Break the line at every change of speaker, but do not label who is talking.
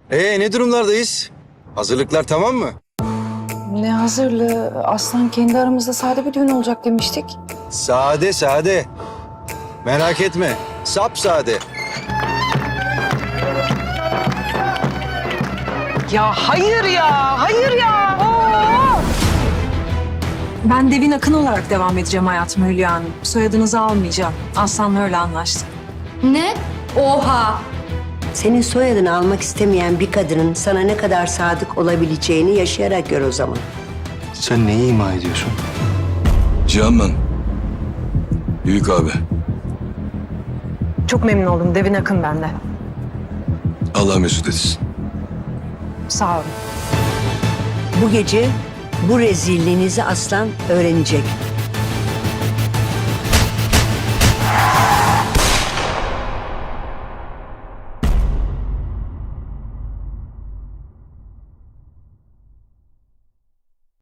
Ne durumlardayız? Hazırlıklar tamam mı?
Ne hazırlığı? Aslan kendi aramızda sade bir düğün olacak demiştik.
Sade sade. Merak etme. Sapsade.
Ya hayır ya, hayır ya. Oo!
Ben Devin Akın olarak devam edeceğim hayatıma Hülya Hanım. Soyadınızı almayacağım. Aslan'la öyle anlaştık.
Ne? Oha!
Senin soyadını almak istemeyen bir kadının sana ne kadar sadık olabileceğini yaşayarak gör o zaman.
Sen neyi ima ediyorsun?
Cihan ben. Büyük abi.
Çok memnun oldum. Devin Akın ben de.
Allah mesut etsin.
Sağ olun.
Bu gece bu rezilliğinizi Aslan öğrenecek.